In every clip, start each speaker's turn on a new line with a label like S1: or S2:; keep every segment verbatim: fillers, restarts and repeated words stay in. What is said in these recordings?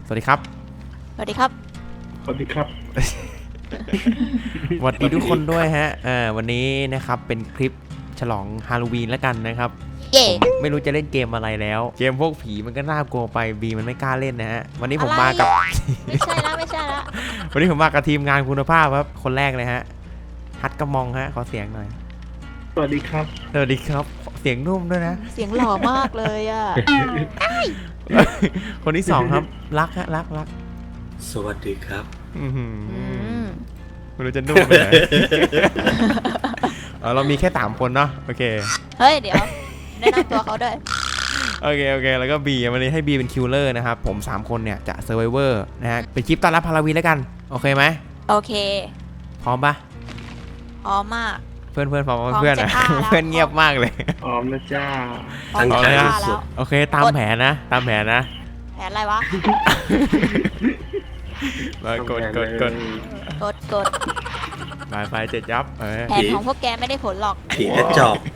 S1: สวัสดีครับ
S2: สวัสดีครับ
S3: สวัสดีครับ
S1: สวัสดีทุกคนด้วยฮะอ่าวันนี้นะครับเป็นคลิปฉลองฮาโลวีนแล้วกันนะครับผมไม่รู้จะเล่นเกมอะไรแล้วเกมพวกผีมันก็น่ากลัวไปบีมันไม่กล้าเล่นนะฮะวันนี้ผมมากับ
S2: ไม่ใช่ละไม่ใช่ละ
S1: วันนี้ผมมากับทีมงานคุณภาพครับคนแรกเลยฮะฮัทกระมองฮะขอเสียงหน่อย
S3: สวัสดีครับ
S1: สวัสดีครับเสียงนุ่มด้วยนะ
S2: เสียงหล่อมากเลยอ่ะ
S1: คนที่สองครับรักฮะรักรัก
S4: สวัสดีครับ
S1: ไม่รู้จะนุ่มไปไหนเรามีแค่สามคนเนาะโอเค
S2: เฮ้ยเดี๋ยวแนะนำตัวเขาด้วย
S1: โอเคโอเคแล้วก็บีวันนี้ให้บีเป็นคิลเลอร์นะครับผมสามคนเนี่ยจะเซอร์ไวเวอร์นะฮะเป็นคลิปต้อนรับฮาโลวีนแล้วกันโอเคไหม
S2: โอเค
S1: พร้อมปะ
S2: พร้อมมาก
S1: เพื่อนเพื่อนพร้อมเพื่อนนะเพื่อนเงียบมากเลย
S3: พร้อมนะจ้า
S4: ตั้งใจ
S1: สุดโอเคตามแผนนะตามแผนนะ
S2: แผนอะไรวะ
S1: มากดกดกด
S2: กดกด
S1: ไปไปเจ็ดยับ
S2: แผนของพวกแกไม่ได้ผลหรอก
S4: ผีกระจอก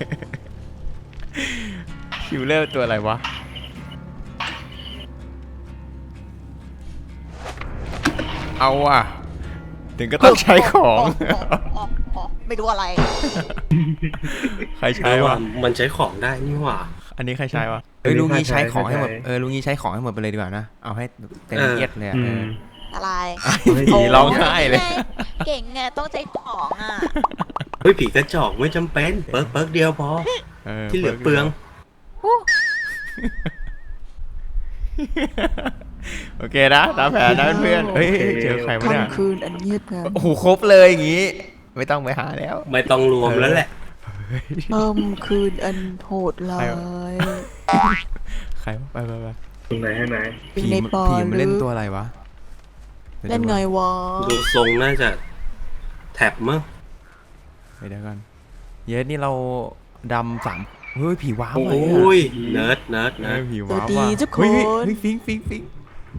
S1: คิวเลอร์ตัวอะไรวะเอาอ่ะถึงก็ต้องใช้ของ
S2: ไม่รู้อะไร
S1: ใครใช้วะ
S4: มันใช้ของได้นี่หว่า
S1: อันนี้ใครใช้วะเอ้ยลุงนี้ใช้ของให้หมดเออลุงนี้ใช้ของให้หมดไปเลยดีกว่านะเอาให้เต็มเอียดเลย
S2: อะไร
S1: ผีร้องไห้เลย
S2: เก่งไงต้องใช้ของอ่ะ
S4: เฮ้ยผีกระจอกไม่จำเป็นเปิร์กเปิร์กเดียวพอที่เหลือเปลือง
S1: โอเคนะตามแผนนะเพื่อนเฮ้ยเจอใครวะเนี่ย
S2: คืนอันเงียบงัน
S1: โอ้โหครบเลยอย่างงี้ไม่ต้องไปหาแล้ว
S4: ไม่ต้องรวมแล้วแหละ
S2: ค่ำคืนอันโหดร้าย
S1: ใครไปไปไป
S3: ตรงไหนให้ไหน
S1: ผีผีมันเล่นตัวอะไรวะ
S2: เล่นไงวะ
S4: ดูทรงน่าจะแท็บมั้ง
S1: ไปเดี๋ยวกันเยสนี่เราดำสามเฮ้ยผีว้าวเลย
S4: โอ้ยเนิร์ดเนิร์ดเนิร์ด
S1: ผีว้าว
S2: ว่ะเฮ้
S1: ยฟิงฟิงฟิง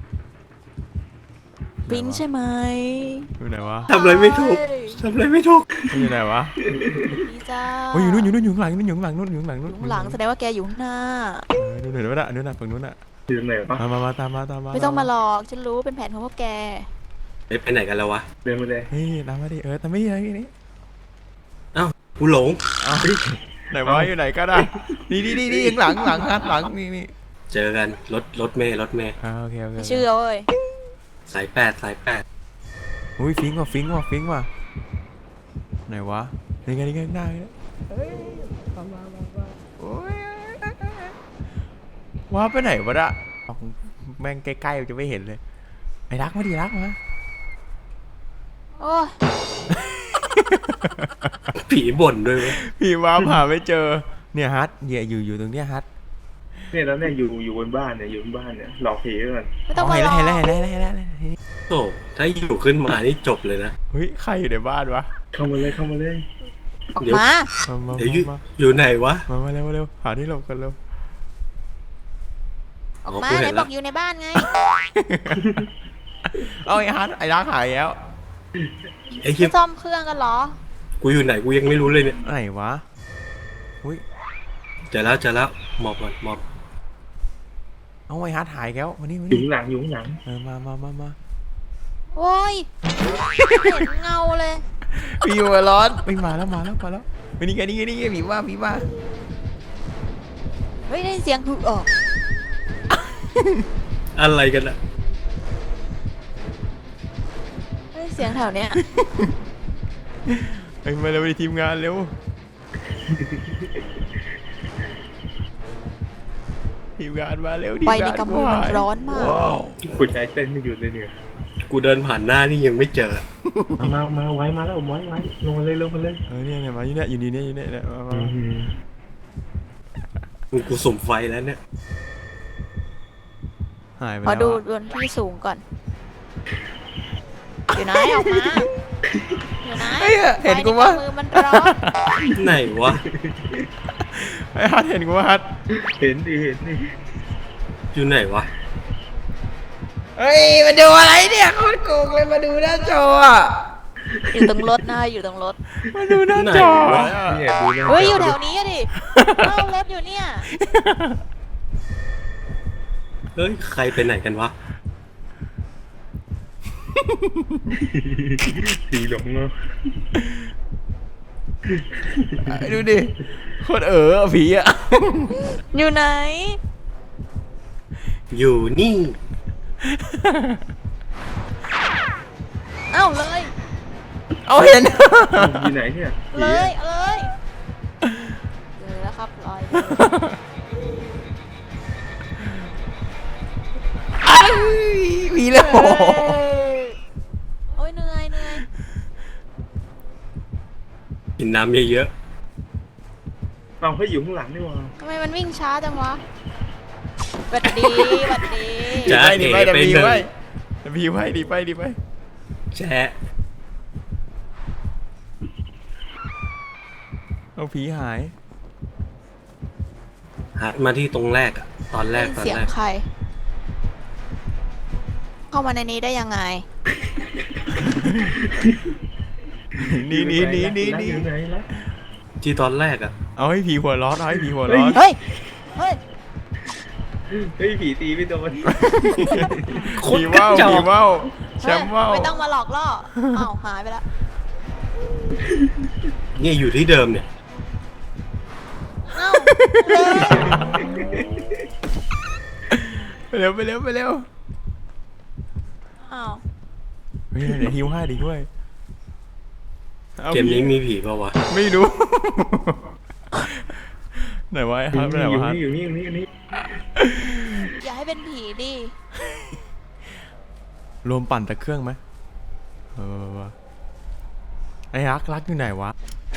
S2: ฟิงใช่ไหม
S1: อยู่ไหนวะ
S4: ทำอะไรไม่ถูกทำอะไรไม่ถูก
S1: อยู่ไหนวะ
S2: นี่จ้า
S1: โอ้ยอยู่นู่นอยู่นู่นอยู่หลังนู่นอยู่หลังนู่นอยู่หลังนู่น
S2: หลังแสดงว่าแกอยู่ข้างหน้า
S1: นู่นเห็นไหมล่ะนู่นน่ะฝั่งนู้นน่ะ
S3: อยู่ไหนวะ
S1: มามาตามมาตามมา
S2: ไม่ต้องมาหลอกฉันรู้เป็นแผนของพวกแก
S4: ไปไหนกันแล้ววะ
S3: เดินมาเลย
S1: เฮ้ยตามมาดิเออแต่ไม่ยังนี่
S4: เอ้ากูหลง
S1: ไหนวะอยู่ไหนก็ได้นี่นี่นี่นี่หลังหลังฮัทหลังนี่นี่
S4: เจอกันรถรถเมย์รถเมย์
S1: อ่าโอเคโอเค
S2: ชื่อเอ้ย
S4: สายแปดสายแปด
S1: อุ้ยฟิงว่ะฟิงว่ะฟิงว่ะไหนวะนี่ไงนี่ไงหน้าเนี่ยเฮ้ยมามามามาโอ้ยว้าไปไหนวะอะแม่งใกล้ๆจะไม่เห็นเลยไอ้รักมาดิรักมา
S2: โอ้
S4: ผีบ่นด้วย
S1: ผีว้าหาไม่เจอเนี่ยฮัทเนี่ยอยู่อยู่ตรงเนี้ยฮัท
S3: เนี่ยแล้วเนี่ยอยู่อยู่บนบ้านเนี่ยอยู่บนบ้านเนี่ยหลอกผีกัน
S2: ไม่ต้องมาหลอก
S1: เห็นแล้วเห็นแล้วเห็นแล้วเห็นแล้ว
S4: โอ้ถ้าอยู่ขึ้นมานี่จบเลยนะ
S1: เฮ้ยใครอยู่ในบ้านวะ
S3: เข้ามาเลยเข้ามาเลย
S2: ออกมา
S4: เดี๋ยวอยู่อยู่ไหนวะ
S1: มามาเร็วมาเร็วหาที่หลบกันเร็ว
S2: ออกมาไหนบอกอยู่ในบ้านไง
S1: เอาไอ้ฮัทไอ้รักหายแล้ว
S4: ไอ้เหี้ย
S2: ซ่อมเครื่องกันเหรอ
S4: กูอยู่ไหนกูยังไม่รู้เลยเนี่ย
S1: ไหนวะอุ้ย
S4: เจอแล้วเจอแล้วหมอบก่อนหมอบ
S1: เอาไอ้ฮัทหายแล้ววันนี้วัน
S3: นี้อยู่หลังอยู่หลัง
S1: เออมามามามา
S2: โอ้ยเห็นเงาเลย
S1: พี่อยู่ร้อนไม่มาแล้วมาแล้วมาแล้ววันนี้ไงนี่ไงนี่ไงผีว่าผีว่า
S2: เฮ้ยได้เสียงคือออก
S4: อะไรกันอะ
S2: ได้เสียงแถวเนี้ย
S1: ไปมาเร็วทีมงานเร็วทีมงานมาเร็ว
S2: ไปในกำมือมันร้อนมาก
S3: กูใจเต้นไม่หยุดเลยเนี่ย
S4: กูเดินผ่านหน้านี่ยังไม่เจอ
S3: มามาไว้มาแล้วไว้ไว้ลงมาเลยลงมาเลย
S1: เออเนี่ยเนี่ยมาอยู่เนี่ยอยู่นี่เนี่ยอยู่เนี่ย
S4: มึงกูสุ่มไฟแล้วเนี่ย
S1: หายไป
S2: ขอดูบนที่สูงก่อนอยู่ไหนออกมาอยู่ไหน
S1: เห็นกูว่า
S2: มือมันร้อน
S4: ไหนวะ
S1: ไอ้ฮัทเห็นกูว่าฮัท
S3: เห็นดิเห็นดิ
S4: อยู่ไหนวะ
S1: เฮ้ยมาดูอะไรเนี่ยโคตรโกงเลยมาดูหน้าจออ่ะ
S2: อยู่ตรงรถนะอยู่ตรงรถ
S1: มาดูหน้าจอ
S2: เฮ้ยอยู่แถวนี้ดิเอารถอยู่เนี่ย
S4: เฮ้ยใครไปไหนกันวะ
S3: ผีหลงเนาะ
S1: ดูดิโคตรเอ๋อผีอ่ะ
S2: อยู่ไหน
S4: อยู่นี่
S2: เอ้าเลย
S1: เอาเห็น
S3: อยู่ไหนเนี่ยผี
S2: เล
S3: อะ
S2: ยเอาเลยเลยแล้วครับลอยเลย
S1: ผีแล้ว
S2: เฮ้ยโอ้ยเหนื่อยเหนื่อย
S4: กินน้ำเยอะ
S3: เอาให้อยู่ข้างหลังนี่หว่า
S2: ทำไมมันวิ่งช้าจังวะหวัดดีหวัดดี
S4: ๆจะ
S1: ดี
S4: เอ๋
S1: ไป
S4: ไป
S1: ดี
S4: หนึ่ง
S1: ไปดีไปดีไปดีไป
S4: แชะ
S1: เอาผีหาย
S4: หันมาที่ตรงแรกอะตอนแรกตอน
S2: เสียง
S4: แรก
S2: ใคร เข้ามาในนี้ได้ยังไง
S1: นี่นี่นี่นี่นี่
S3: อยู่ไหนล่ะ
S4: ที่ตอนแรกอะ
S1: เอาให้ผีหัวร้อนเอาให้ผีหัวร้อน
S2: เฮ้ย เฮ้ย
S3: เฮ้ยผีตีไม่โดน
S1: ผีว่าวผีว่าวแชมป์ว่าว
S2: ไม่ต้องมาหลอกล่ออ้าวหายไปแล้ว
S4: เนี่ยอยู่ที่เดิมเนี่ย
S2: เอ้าเลย
S1: ไปเร็วไปเร็วไปเร็ว
S2: อ้าว
S1: เฮ้ยเดี๋ยวฮิวให้ดิด้วยอา
S4: เกมนี้มีผีเปล่าวะ
S1: ไม่รู้ ไหนวะไอ้
S3: อ
S1: ฮัท
S3: ยู่
S1: ไหน
S3: นี่
S1: วะฮัท
S3: อยู่นี่อยู่นี่อยู่นี่
S2: อย่าให้เป็นผีดิ
S1: รวมปั่นแต่เครื่องไหมเออวะไอ้รักรักอยู่ไหนวะ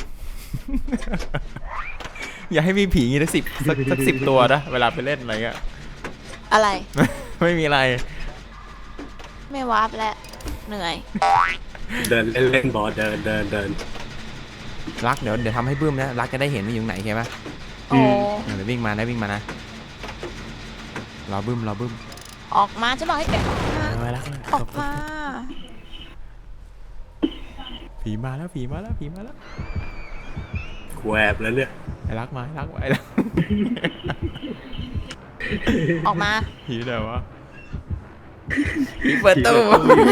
S1: อย่าให้มีผีงี้สักสิบสักสักสิบตัวนะเวลาไปเล่นอะไรเงี้ย
S2: อะไร
S1: ไม่มีอะไร
S2: ไม่วาร์ปแล้ว เหนื่อย
S4: เดินเล่นเล่นบอลเดินเดินเดิน
S1: รักเดี๋ยวเดี๋ยวทำให้บึ้มนะรักจะได้เห็นว่าอยู่ไหนใช่ไหม
S2: โอ้
S1: เดี๋ยววิ่งมานะวิ่งมานะรอบึ้มรอบึ้ม
S2: ออกมาฉันบอกให้แกออกมา
S1: เอาไว้รัก
S2: ออกมา
S1: ผีมาแล้วผีมาแล้วผีมาแล้ว
S4: แควบแล้วเนี่ย
S1: ไอ้รักมาไอ้รักมาไอ้รัก
S2: ออกมา
S1: ผีเดี๋ยววะผีเปิดตู้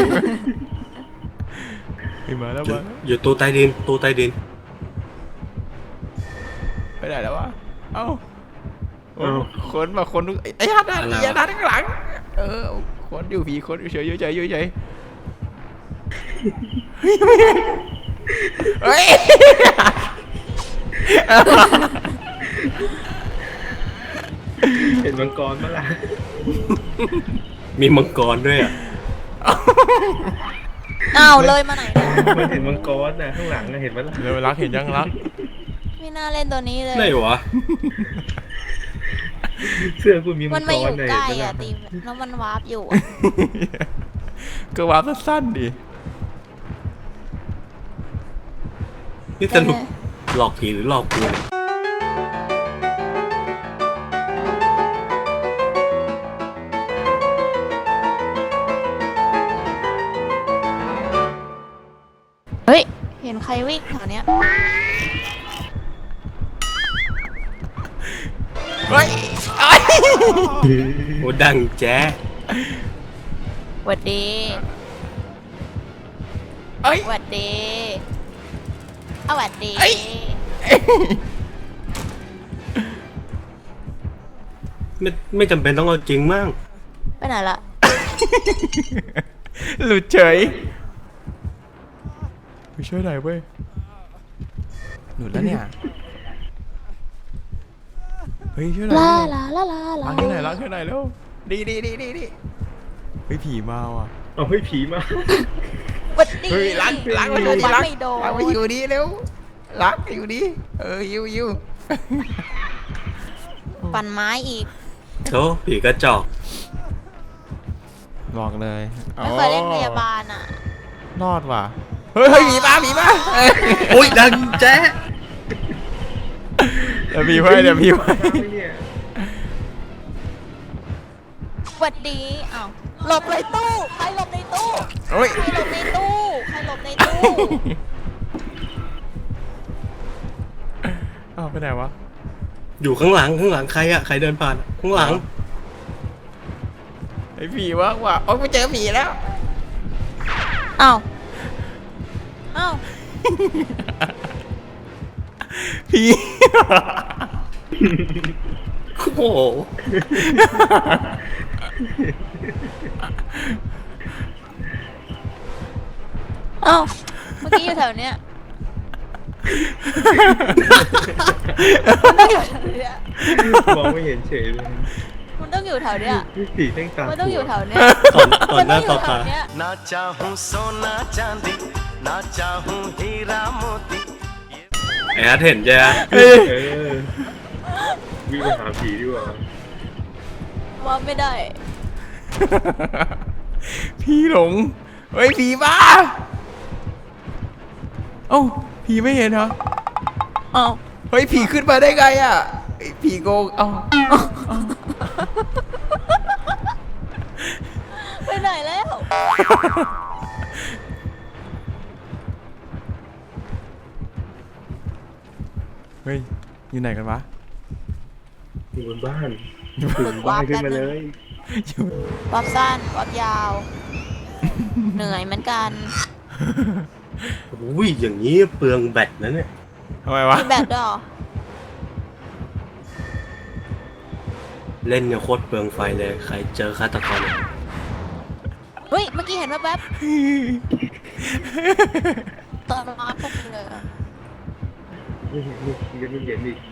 S1: ผีมาแล้ว
S4: อยู่
S1: มาแล้ว
S4: อยู่ตู้ใต้ดินตู้ใต้ดิน
S1: ไปไหนแล้ววะเอ้าโอ้คนมาคนไอ้ไอ้ฮัทฮัทไอ้ฮัทข้างหลังเออคนอยู่ผีคนอยู่เฉยอยู่เฉยอยู่เฉยเฮ้ย
S3: เห็นมังกรปะล่ะ
S4: มีมังกรด้วยอะ
S2: อ้าวเลยมาไหนเนี่ย
S3: มันเห็นมังกรน่ะข้างหลังน่ะเห็นปะล่ะ
S1: เร็วรักเห็นยังรัก
S2: ไม่น่าเล่นตัวนี้เลย
S4: ไหนวะ
S3: เสื้อกูมีมั
S2: มัน
S3: งก
S2: มาอยู่
S3: รน่ะ
S2: ใกล้
S3: เห็นปะ
S2: อ่ะ
S3: ล่ะ
S2: ตีแล้วมันวาร์ปอยู่อะ
S1: ก็วาร์ปสั้นๆดิ
S4: นี่สรุปหลอกผีหรือหลอกกูเนี่ย
S2: เฮ้ย เห็นใครวิ่งแถวเนี้ย
S1: เฮ้ย
S4: โอ้ดังแจ๊ะ
S2: หวัดดี
S1: เอ้ย
S2: หวัดดีเอาหวัดดี
S1: เอ้ย
S4: ไม่ไม่จำเป็นต้องเอาจริงมั่ง
S2: ไปไหนละ
S1: หลุดเฉยไปช่วยหน่อยเว้ยหลุดแล้วเนี่ยเฮ้ยช่วยหน่อย
S2: ลา
S1: ดิ
S2: ลาลาลาลา
S1: ล้างให้หน่อยล้างให้หน่อยเร็วดีดีดีดีดีเฮ้ยผีมาว่ะ
S3: เอาให้ผีมา
S2: หวัดดี
S1: เฮ้ยล้างล้างไปอ
S2: โด
S1: ยู่
S2: น
S1: ดี
S2: ล้าง
S1: ล้าง
S2: ไม่โดน
S1: ล้างไปอยู่ดีเร็วล้างไปอยู่ดีเออยิวยิว
S2: ปั่นไม้อีก
S4: โธ่ผีกระจอก
S1: บอกเลย
S2: ไม่เคยเล่นพยาบาลอ่ะ
S1: รอดว่ะเฮ้ยเฮ้ยผีมาผีมาเอ้ย
S4: โอ้ยดังแจ๊ะ
S1: เดี๋ยวผีไว้เดี๋ยวผีไว้
S3: เนี่ย
S2: หวัดดีอ้าวหลบในตู้ ใครหลบในตู้
S1: โอ้ย
S2: ใครหลบในตู้ ใครหลบในตู้
S1: อ้าวไปไหนวะ
S4: อยู่ข้างหลังข้างหลังใครอะใครเดินผ่านข้างหลัง
S1: ไอ้ผีวะว่ะโอ้ยไปเจอผีแล้ว
S2: อ้าวอ้าว
S1: ผี
S4: โอ้โห
S2: อ้าวเมื่อกี้อยู่แถวเนี้ยมันต้องอยู่แถวเนี้ย
S3: มองไม่เห็นเฉยเลย
S2: มันต้องอยู่แถวเนี้ย
S3: ผีแท่งตา
S2: มันต้องอยู่แถวเนี้ย
S4: ตอนตอนหน้าต่อตา
S2: เนี้ย
S5: ना चाहूं सोना चांदी ना चाहूं हीरा मोती
S4: ไอ้ฮัทเห็นใช่ไหม
S3: เออวิ่งไปหาผีดีกว่า
S2: ว่าไม่ได้
S1: ผีหลงเฮ้ยผีบ้าเอ้าผีไม่เห็นเหรอ
S2: อ้าว
S1: เฮ้ยผีขึ้นมาได้ไงอ่ะไอ้ผีโกงเอ้า
S2: ไปไหนแล้ว
S1: เฮ้ยอยู่ไหนกันวะ
S3: อยู่บนบ้านอยู่บนบ้านขึ้นมาเลย
S1: อยู่
S2: วับสั้นวับยาว เหนื่อยเหมือนกัน
S4: อุ้ยอย่างนี้เปลืองแบตนะเนี่ย
S1: ทำไมวะ
S2: มีแบบด้วยเหรอ
S4: เล่นเนี่ยโคตรเปลืองไฟเลยใครเจอฆาตกรเนี่ย
S2: เฮ้ย เมื่อกี้เห็นแวบๆตอนมาพวกเลยอะ
S3: ไม่เห็นนี่ยังไม่เห็นอีก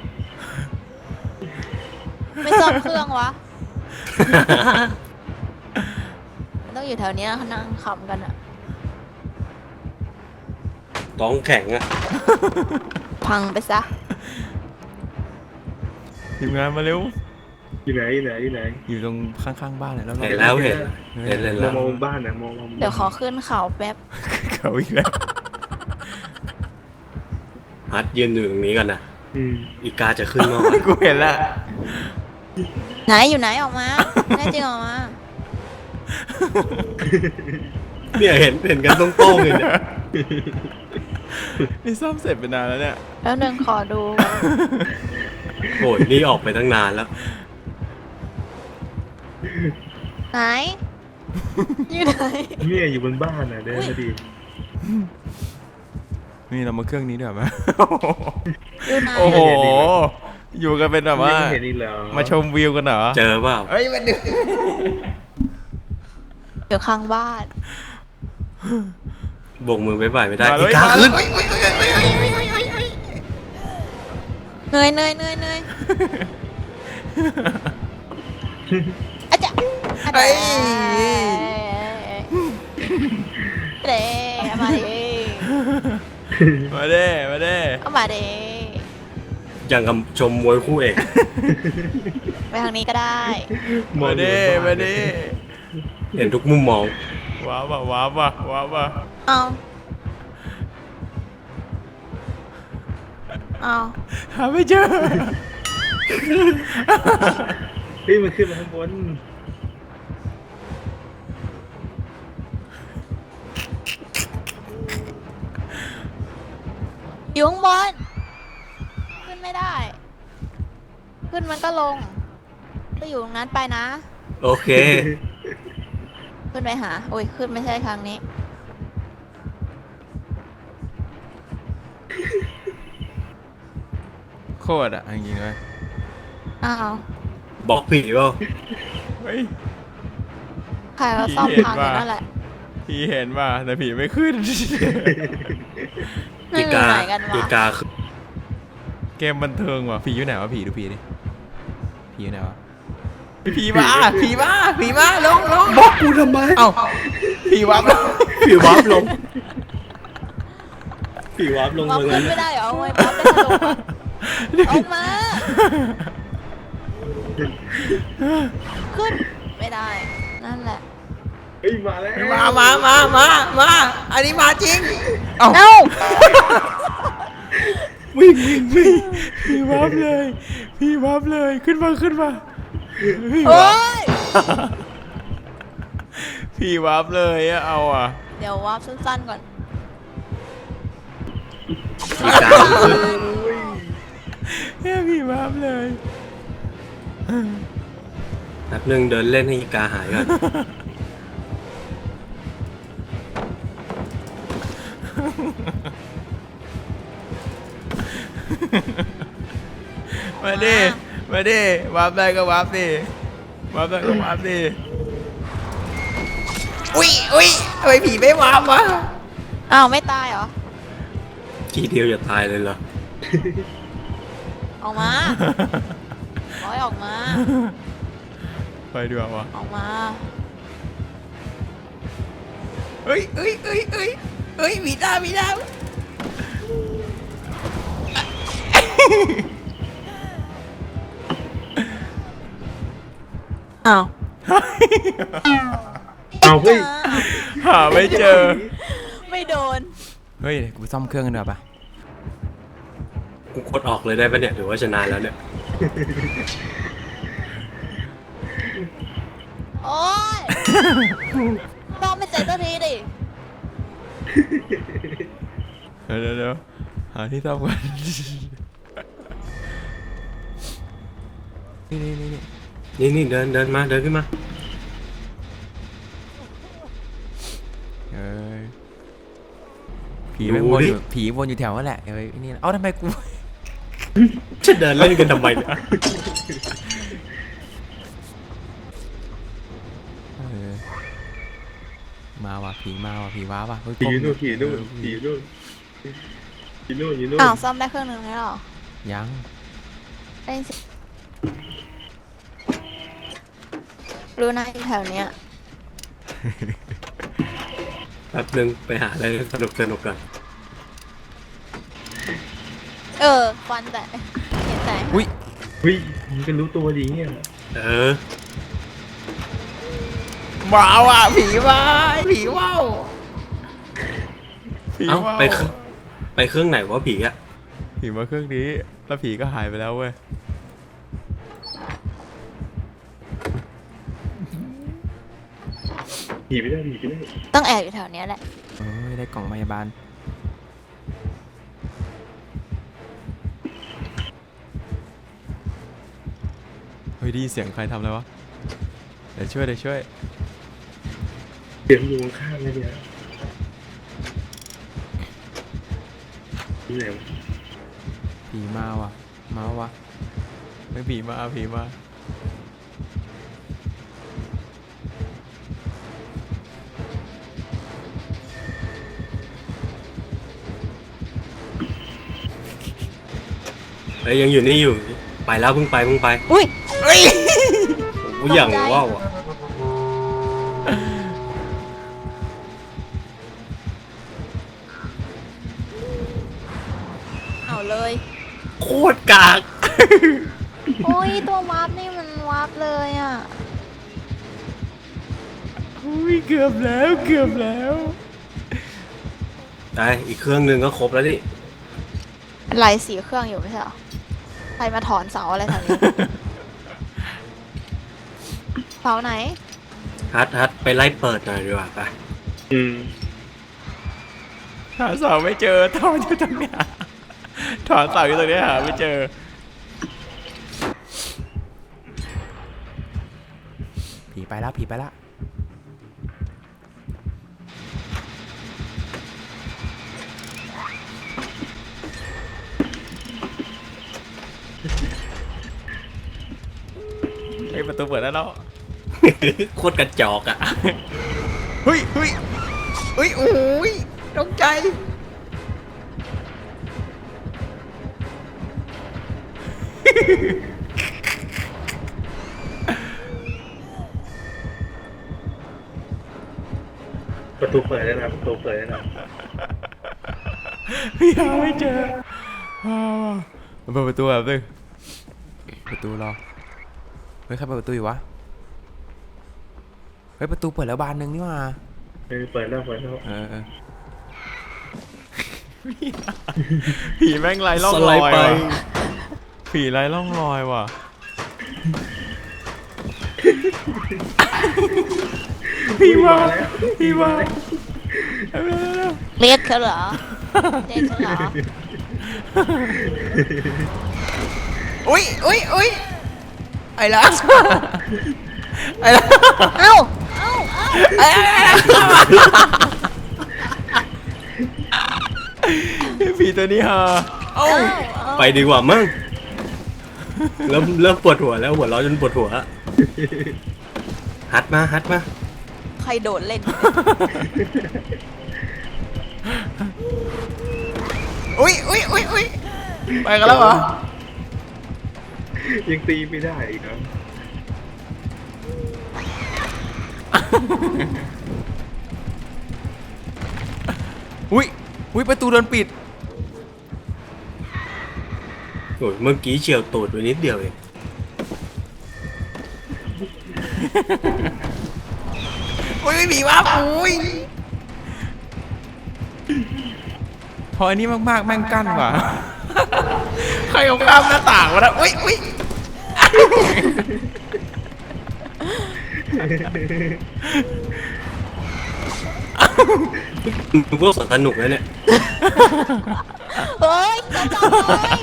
S2: ไม่ซ่อมเครื่องวะ มันต้องอยู่แถวเนี้ยเขานั่งขำกันอะ
S4: ท้องแข็งอะ
S2: พังไปซะ
S1: ทีมงานมาเร็ว
S3: อยู่ไหนอยู่ไหนอยู่ไหน
S1: อยู่ตรงข้างๆบ้านเลยแล้ว
S4: เห็นแล้วเห็นเห็นเลย
S3: ม
S4: แล้
S3: อง
S4: ว
S3: มองบ้านนะมองมอง
S2: เดี๋ยวขอขึ้นเขาแป๊บ
S1: เขาอีกแล้ว
S4: ฮัทยืนอยู่ตรงนี้กันนะ
S3: อืม
S4: อีกาจะขึ้นมา
S1: กูเห็นละ
S2: ไหนอยู่ไหนออกมาแน่จริงออกมา
S4: เนี่ยเห็นเห็นกันตรงๆเลยเนี่ย
S1: นี่ซ่อมเสร็จไปนานแล้วเนี่ย
S2: แล้วหนึ่งขอดู
S4: โอ้ยนี่ออกไปตั้งนานแล้ว
S2: ไหน อยู่ไหน
S3: เนี่ยอยู่บนบ้านน่ะเดินมาดี
S1: นี่เรามาเครื่องนี้ด้วยไหม
S2: อยู่ไหน
S1: โอ้โห อยู่กันเป็นแบบว่า
S3: ไม่เห็นอีกแล้ว
S1: มาชมวิวกันเหรอ
S4: เจอเปล่า
S1: เฮ้ยมันดึ
S2: อยู่ข้างบ้าน
S4: โบกมือบ๊ายบายไม่ได้
S1: มาเล
S4: อี
S1: ย
S4: กาขึ้น
S2: เหนื่อยเหนื่อยเหนื่อยเหนื่อยอาจารย์
S1: เฮ้ย
S2: เด้เอามาดิ
S1: มาเด้มาเด้
S2: เอามาดิ
S4: อย่างกับชมมวยคู่เอก
S2: ไปทางนี้ก็ได้
S1: มาเด้มาเด้
S4: เห็นทุกมุมมอง
S1: ว้าวว่ะว้าวว่ะว้าวว่ะ
S2: เอาเอา
S1: หาไม่เจอ
S3: เฮ้ยมันขึ้นมาข้างบน
S2: อยู่ข้างบน ขึ้นไม่ได้ ขึ้นมันก็ลง ก็อยู่ตรงนั้นไปนะ
S4: โอเค
S2: ขึ้นไปหา โอ้ย ขึ้นไม่ใช่ทางนี้
S1: โคตรอ่ะจริงๆเลย
S2: อ้าว
S4: บอกผีเปล่า
S1: เฮ้ย
S2: ใครก็ซ่อม
S1: เห็น
S2: ทางอยู่
S1: ว่า
S2: นั่นแหละ
S1: พี่เห็นว่าแต่ผีไม่ขึ้น
S2: ไม่
S4: อี
S2: อยู่
S4: กา
S2: ไหนกัน
S4: อี
S2: วะ
S4: กาขึ้น
S1: เกมบันเทิงว่ะผีอยู่ไหนวะผีดูผีดิผีอยู่ไหนวะผีมาผีมาผีมาลงลง
S4: บอกกูทำไม
S1: เอ้าผีวับ
S4: ผีวับลงผีวับลง
S2: มอง
S4: มา
S2: ขึ้
S4: งั้
S2: น
S4: น
S2: ไม่ได้เหรอเอาไว้ป๊อปได้สนุกอะเอามา ขึ้น ไม่ได้ นั่นแหละ
S3: เฮ้ยมาแล้ว
S1: มามามามามาอันนี้มาจริงเอ้า
S2: เอ้า
S1: วิ่งวิ่งวิ่งผีวับเลยผีวับเลยขึ้นมาขึ้นมาผี
S2: โอ้
S1: วับ
S2: ย
S1: ผีวับเลยอะเอาอ่ะ
S2: เดี๋ยววาร์ปสั้นๆก่อน
S4: อีกาขึ้น
S1: แค่ผีวับเลย
S4: แป๊บนึงเดินเล่นให้อีกาหายก่อน
S1: มาดิมาดิวาร์ปได้ก็วาร์ปดิวาร์ปได้ก็วาร์ปดิอุ้ยอุ้ยทำไมผีไม่วาร์ปวะ
S2: อ้าวไม่ตายเหรอ
S4: ทีเดียวจะตายเลยเหรอ
S2: ออกมาร้อยออกมา
S1: ไปดีกว่าวะ
S2: ออกมา
S1: เฮ้ยเฮ้ยเฮ้ยเฮ้ยเฮ้ยมีดาวมีดาว
S2: อ้าว
S3: เอาเฮ้ย
S1: หาไม่เจอ
S2: ไม่โดน
S1: เฮ้ยกูซ่อมเครื่องกันดีกว่าปะ
S4: กูกดออกเลยได้ปะเนี่ยหรือว่าชนะแล้วเนี่ย
S2: โอ๊ยต้องไม่เสร็จสักทีดิ
S1: เดี๋ยวเดี๋ยวเดี๋ยวหาที่ซ่อมกันนี่นี่นี่นี่
S4: นี่นี่เดินเดินมาเดินขึ้นมา
S1: เอ้ยผีไม่งวนอยู่ผีวนอยู่แถวนั่นแหละเอ้ยนี่เอ้าทำไมกู
S4: จะเดินเล่นกันทำไมเนี่ย
S1: เออมาว่ะผีมาว่ะผีว้าว่ะเฮ้ย
S3: ผีนู่น
S1: ก
S3: ผี
S1: ล้
S3: นู่
S1: อน ง
S3: ผีนู่นผีนู่นผีนู่น
S2: อ้าวซ่อมได้เครื่องหนึ่งแล้วเหรอ
S1: ยัง
S2: ได้สิรู้นะอยู่แถวเนี้ย
S4: แป๊บนึงไปหาอะไรสนุกสนุกกัน
S2: เออควันแต่เห็นแต่
S1: อุ้ย
S3: เฮ้ยมันก็รู้ตัวดีเนี่ย
S4: เออ
S1: มาว่ะผีมาผีว้าวผี
S4: เอ้า
S1: ว้าว
S4: ไปเครื่องไปเครื่องไหนวะผีอะ
S1: ผีมาเครื่องนี้แล้วผีก็หายไปแล้วเว้ย
S3: ผีไม่ได้ผีไม่ได้
S2: ต้องแอบอยู่แถวเนี้ยแหละ
S1: เอ้ยได้กล่องพยาบาลเฮ้ยไดีเสียงใครทำอะไรวะเดี๋ยวช่วยเดี๋ยวช่วย
S3: เสียงอยู่ข้างๆเลยเนี่ยนี่ไหนวะ
S1: ผีมาว่ะมาวะไม่ผีมาผีมา
S4: เอ้ยยังอยู่นี่อยู่ไปแล้วเพิ่งไปเพิ่งไป
S2: อุ้ย
S4: โอ้ยอย่างว้าวอะ
S2: เอาเลย
S4: โคตรกาก
S2: โอ้ยตัววาร์ปนี่มันวาร์ปเลยอ่ะ
S1: อุ้ยเกือบแล้วเกือบแล้ว
S4: ได้อีกเครื่องหนึ่งก็ครบแล้วนี่
S2: ไล่สีเครื่องอยู่ไม่ใช่เหรอใครมาถอนเสาอะไรแถวนี้ เสาไหน
S4: ฮัทฮัทไปไล่เปิดหน่อยดีกว่าไป
S3: อืม
S1: หาเสาไม่เจอถอนอยู่ตรงเนี้ยถอนเสาอยู่ตรงเนี้ยหาไม่เจอผีไปแล้วผีไปแล้วไอ้ยประตูเปิดได้แล้ว
S4: โคตรกระจอกอะ
S1: เฮ้ยเฮ้ยเฮ้ยโอ้ยตกใจ
S3: ประตูเปิดแล้วนะประตูเปิดแล้วนะ
S1: พี่หาไม่เจอว้าวเปิดประตูแบบนึงประตูรอเฮ้ยใครเปิดประตูอยู่วะเฮ้ยประตูเปิดแล้วบานหนึ่งนี่หว่า
S3: เออเปิดแล้วเปิดแล้ว
S1: เออเออผีแม่งไรล่อง
S4: ส
S1: ร
S4: ไล
S1: อย
S4: ด์ไป
S1: ว่ะผีไรล่องรอยว่ะ พี่มาพี่มาเร็วเร็วเร็ว
S2: เรียกเขาเหรอ เรียกเขาเหรอ
S1: อุ้ยอุ้ยอุ้ยไอ้ละไอ้ละ
S2: เอ้า เอ้า เอ้า
S1: ไอ้ละตัวนี้ฮะเอ้า
S4: ไปดีกว่ามั้งเริ่มเริ่มปวดหัวแล้วหัวเราะจนปวดหัวฮัดมาฮัดมา
S2: ใครโดดเล่น
S1: อุ้ยอุ้ยอุ้ยอุ้ยไปกันแล้วเหรอ
S3: ยังตีไม่ได้อีกเหรอ
S1: อุ้ยอุ้ยประตูโดนปิด
S4: โอ้ยเมื่อกี้เฉียวตูดไปนิดเดียวเอง
S1: อุ้ยไม่มีวะอุ้ยพออันนี้มากๆแม่งกั้นว่ะ ใครเอาข้ามหน้าต่างวะนะอุ้ยอุ้ย
S4: พวกสนุกแล้วเนี่ย
S2: เฮ้ยจะจับเลย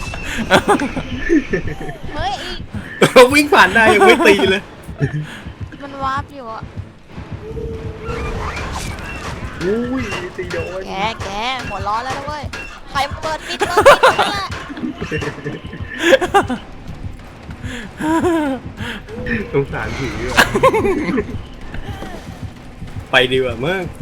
S2: เฮ้ยอีก
S4: วิ่งผ่านได้ยังไม่ตีเลย
S2: มันวาร์ปอยู่อะ
S3: อุ้ยตีโดน
S2: แกแกหัวร้อนแล้วนะเว้ยใครเปิดปิดเปิดปิดนั่นแหละ
S3: สงสารผีว่ะ
S4: ไปดีกว่ามั้ง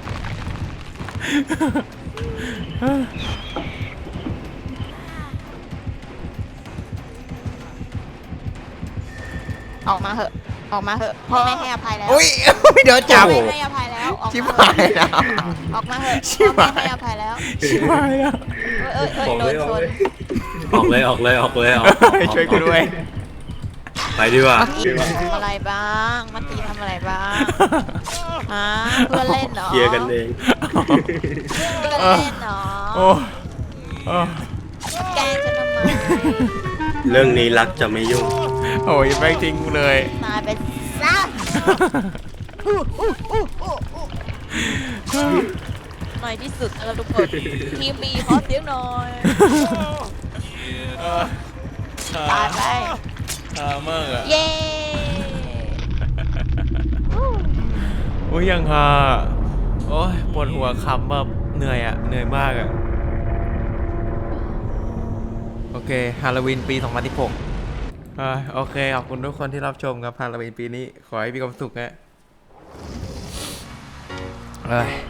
S2: ออกมาเหอะออกมาเหอะพ่อไม่ให้อภัยแล้ว
S1: อุ้ยเดี๋ยวจับ
S2: ไม่ให้อภัยแล้วออก
S1: ชิบ
S2: มา
S1: หายแล้ว
S2: ออกมาเหอะ
S1: ชิบ
S2: พ่อ
S1: หาย
S2: ไม่ให้อภัยแล้ว
S1: ชิบหายแล้ว
S2: เอ้ยเอ้ย
S3: ออก
S2: โด
S3: เล
S2: น
S3: ยอ
S2: ช
S3: อก
S2: น
S3: เลย
S4: ออกเลยออกเลยออกเลยออก
S1: ช่วยกูด้วย
S4: ไปดีกว่า
S2: พี่ทำอะไรบ้างมาตีทำอะไรบ้างฮะเพื่อนเล่นเหรอ
S4: เคลียร์กันเอง
S2: เพื่อนเล่นเหรอ
S1: โอ้โอ้
S2: แกล้งฉันทำไม
S4: เรื่องนี้รักจะไม่ยุ่ง
S1: โอ้ยแม่งทิ้งกูเลย
S2: ตายไปซะในที่สุดเราทุกคนทีมบีขอเสียงหน่อยตายไป
S1: อ่าเมื่ออะ
S2: เย้
S1: โอ้ยยังฮะโอ้ยปวดหัวคำแบบเหนื่อยอ่ะเหนื่อยมากอ่ะโอเคฮาโลวีนปีสองพันสิบหกอ่าโอเคขอบคุณทุกคนที่รับชมครับฮาโลวีนปีนี้ขอให้มีความสุขฮะเอ้ย